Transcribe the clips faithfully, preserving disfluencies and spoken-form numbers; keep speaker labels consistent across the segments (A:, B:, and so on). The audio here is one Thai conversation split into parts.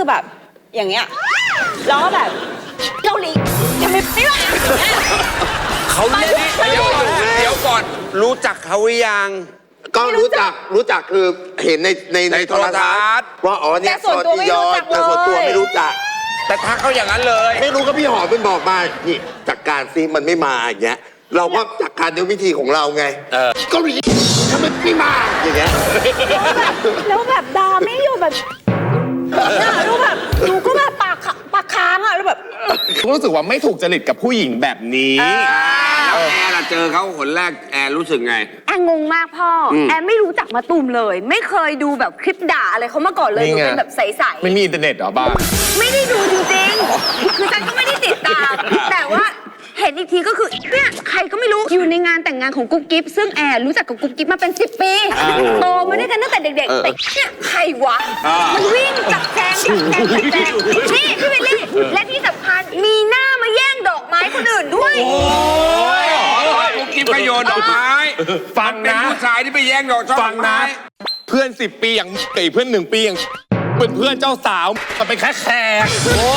A: คือแบบอย่างเงี้ยแล้วก็แบบเกาหลีทำไมไม่ว่า
B: เขาเล่นเดี๋ยวก่อนเดี๋ยวก่อนรู้จักเขาหรือยัง
C: ก็รู้จักรู้จักคือเห็นในในในโทรทัศน์ว่าอ๋อเนี่ยซอติยอนแต่ส่วนตัวไม่รู้จัก
B: แต่ทักเขาอย่างนั้นเลย
C: ไม่รู้ก็พี่หอมเป็นบอกมานี่จัดการซิมันไม่มาอย่างเงี้ยเราก็จัดการด้วยวิธีของเราไงเกาหลีทำไมไม่มาอย่างเงี้ย
A: แล้วแบบดาไม่อยู่แบบรู้แบบหนูก็แบบปากปากค้างอ่ะแล้วแบบ
D: รู้สึกว่าไม่ถูกจริตกับผู้หญิงแบบนี้
B: แล้วแอร์ล่ะเจอเขาคนแรกแอร์รู้สึกไง
E: แอร์งงมากพ่อแอร์ไม่รู้จักมะตูมเลยไม่เคยดูแบบคลิปด่าอะไรเขามาก่อนเลยหนูเป็นแบบใสๆ
D: ไม่มีอินเทอร์เน็ตหรอบ้า
E: ไม่ได้ดูจริงๆคือฉันก็ไม่ได้ติดตามแต่ว่าเห็นอีกทีก็คือเนี่ยใครก็ไม่รู้อยู่ในงานแต่งงานของกุ๊กกิ๊บซึ่งแอร์รู้จักกับกุ๊กกิ๊บมาเป็นสิบปีโตมาด้วยกันตั้งแต่เด็กๆแต่เนี่ยใครวะมันวิ่งจับแจงจับแจงจับแจงนี่พี่วิลลี่และที่สำคัญมีหน้ามาแย่งดอกไม้คนอื่นด้วย
B: โอ้ยกุ๊กกิ๊บก็โยนดอกไม้
D: ฟังนะ
B: เป็นผู้ชายที่ไปแย่งดอกช่อดอกไม้
D: เพื่อนสิบปีอย่างไก่เพื่อนหนึ่งปีอย่างเป็นเพื่อนเจ้าสาวก็เป็นแค่แขกโอ้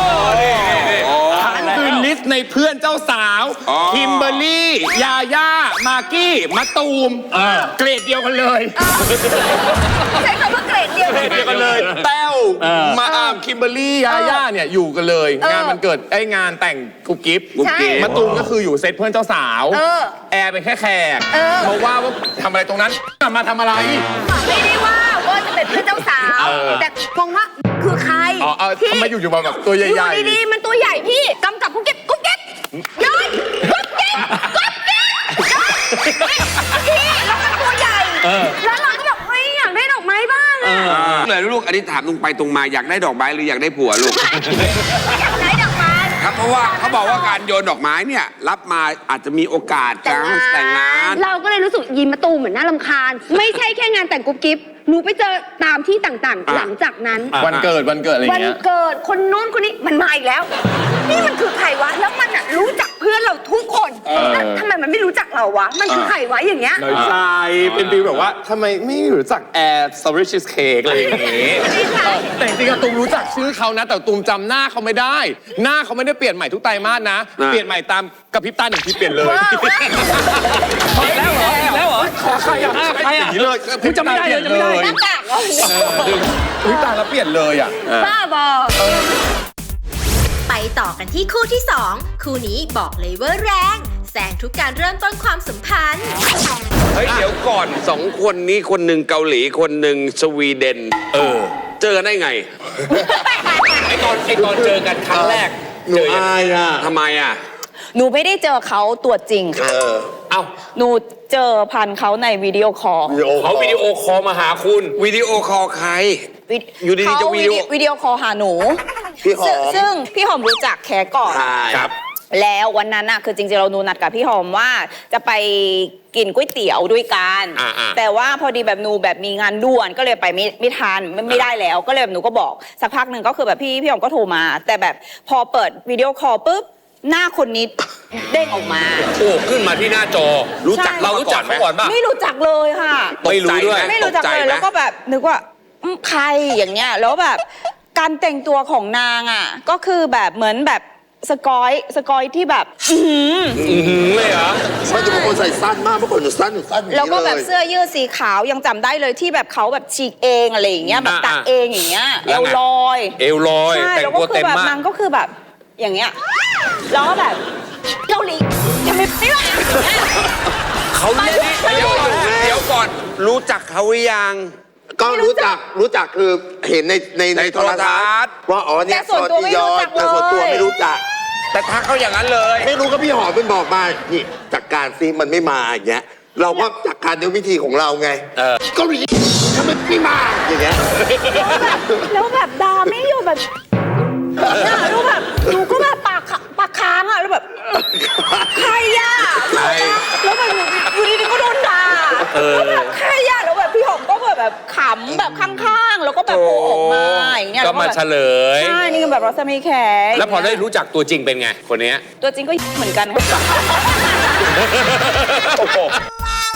D: ทั้งคือลิสต์ในเพื่อนเจ้าสาวคิมเบอร์รี่ยาย่ามากกี้มะตูมเกรดเดียวกันเลย
E: ใช้คำว่าเกรดเดียว
D: กันเลยแต้วมาอามคิมเบอร์รี่ยาย่าเนี่ยอยู่กันเลยงานมันเกิดไอ้งานแต่งกุ๊กกิ๊บมะตูมก็คืออยู่เซตเพื่อนเจ้าสาวแอร์เป็นแค่แขกเพราะว่าว่าทำอะไรตรงนั้นมาทำอะไร
E: ไม่ได้ว่าว่าจะเป็นเพื่อนเจ้าสาวแต่มองว่าคือใคร
D: ที่ทำไมอยู่อยู่มาแบบตัวใหญ่ๆ
E: อยู่ดีๆมันตัวใหญ่พี่กำกับกุ๊กกิ๊บกุ๊กกิ๊บย้อนกุ๊กกิ๊บกุ๊กกิ๊บพี่แล้วมันตัวใหญ่แล้วเราก็แบบเฮ้ยอยากได้ดอกไม้บ้างอะ
B: เลยลูกอันนี้ถามตรงไปตรงมาอยากได้ดอกไม้หรืออยากได้ผัวลูก
E: อยากได้ดอกไม้
B: ครับเพราะว่าเขาบอกว่าการโยนดอกไม้เนี่ยรับมาอาจจะมีโอกาสการแต่งงาน
E: เราก็เลยรู้สึกยินมะตูมเหมือนน่ารำคาญไม่ใช่แค่งานแต่งกุ๊กกิ๊บหนูไปเจอตามที่ต่างๆหลังจากนั้น
D: วันเกิดวันเกิดอะไรเงี้
E: ยวันเกิดคนนู้นคนนี้มันมาอีกแล้วนี่มันคือใครวะแล้วมันอ่ะรู้จักเพื่อนเราทุกคนแล้วทำไมมันไม่รู้จักเราวะมันคือใครวะอย่างเงี้ย
D: น้อยใจเป็นฟีลแบบว่าทำไมไม่รู้จักแอร์สตรอเบอรี่ชีสเค้กอะไรอย่างเงี้ยแต่จริงๆตูมรู้จักชื่อเขานะแต่ตูมจำหน้าเขาไม่ได้หน้าเขาไม่ได้เปลี่ยนใหม่ทุกไตรมาสนะเปลี่ยนใหม่ตามกระพริบตาหนึ่งทีเปลี่ยนเลย
F: แล้วเหรอแล้วเหรอ
D: ขอใครอ่ะใครอ่ะอย่างนี้เลย
F: คุณจำไม่ได้เลยจำไม่ได้
E: หน้ากากเหรอ
D: วิตาแล้วเปลี่ยนเลยอ่ะ
E: บ้าบอ
G: ไปต่อกันที่คู่ที่สองคู่นี้บอกเลยว่าแรงแซงทุกการเริ่มต้นความสัมพันธ์
B: เฮ้ยเดี๋ยวก่อนสองคนนี้คนหนึ่งเกาหลีคนหนึ่งสวีเดนเออเจอกันได้ไง
F: ไอ้ตอนไอ้ตอนเจอกันครั้งแรก
C: หนูอายอ่ะ
B: ทำไมอ่ะ
A: หนูไม่ได้เจอเขาตัวจริงค่ะ
F: เอ้า
A: หนูเจอพันเขาในวิดีโอคอล
F: เขาวิดีโอคอลมาหาคุณ
B: วิดีโอคอลใครอยู่ดีๆจะวิดีโอ
A: วิดีโอคอลหาหนู
C: พี่หอม
A: ซึ่งพี่หอมรู้จักแขกก่อน
F: ครับ
A: แล้ววันนั้นน่ะคือจริงๆเราหนูนัดกับพี่หอมว่าจะไปกินก๋วยเตี๋ยวด้วยกันแต่ว่าพอดีแบบหนูแบบมีงานด่วนก็เลยไปไม่ไม่ทันไม่ได้แล้วก็เลยแบบหนูก็บอกสักพักหนึ่งก็คือแบบพี่พี่หอมก็โทรมาแต่แบบพอเปิดวิดีโอคอลปุ๊บหน้าคนนี้เด้งออกมา
F: โอ้ขึ้นมาที่หน้าจอรู้จักเรารู้จักเขาก่อนป่ะ
A: ไม่รู้จักเลยค่ะ
F: ไม่รู้ด้วย
A: ไม่รู้จักเลยแล้วก็แบบนึกว่าใครอย่างเงี้ยแล้วแบบการแต่งตัวของนางอ่ะก็คือแบบเหมือนแบบสกอยสกอยที่แบบอื
F: อหือเลยเหรอ
C: ไม่จะเป็นคนใส่สั้นมากเมื่อก่อนจะสั้นสั้น
A: แล้วก็แบบเสื้อยืดสีขาวยังจำได้เลยที่แบบเขาแบบฉีกเองอะไรอย่างเงี้ยแบบตัดเองอย่างเงี้ยเอวลอย
F: เอวลอย
A: ใช่แล้วก็คือแบบนางก็คือแบบอย่างเงี้ยแล้วก็แบบเกาหลีทำไมไม่ว่า
B: เขาเล่นเดี๋ยวก่อนเดี๋ยวก่อนรู้จักเขาหรือยัง
C: ก็รู้จักรู้จักคือเห็นในในในโทรทัศน์ว่าอ๋อเนี่ยซอติยอนแต่ส่วนตัวไม่รู้จัก
B: แต่ทักเขาอย่างนั้นเลย
C: ไม่รู้ก็พี่หอมเป็นบอกมานี่จัดการซิมันไม่มาอย่างเงี้ยเราก็จัดการด้วยวิธีของเราไงเกาหลีทำไมไม่มาอย่างเงี้ย
A: แล้วแบบดาไม่อยู่แบบรู้แบบหนูก็แบบปากปากค้างอ่ะแล้วแบบใครอ่ะแล้วแบบอยู่ดีๆก็โดนด่าแล้วแบบใครอ่ะแล้วแบบพี่หอมก็แบบแบบขำแบบข้างๆแล้วก็แบบโผล่ออกมาอย่างเงี้ย
F: ก็มาเฉลย
A: ใช่นี่ก็แบบรัศมีแขก
F: แล้วพอได้รู้จักตัวจริงเป็นไงคนนี้
A: ตัวจริงก็เหมือนกันค่ะ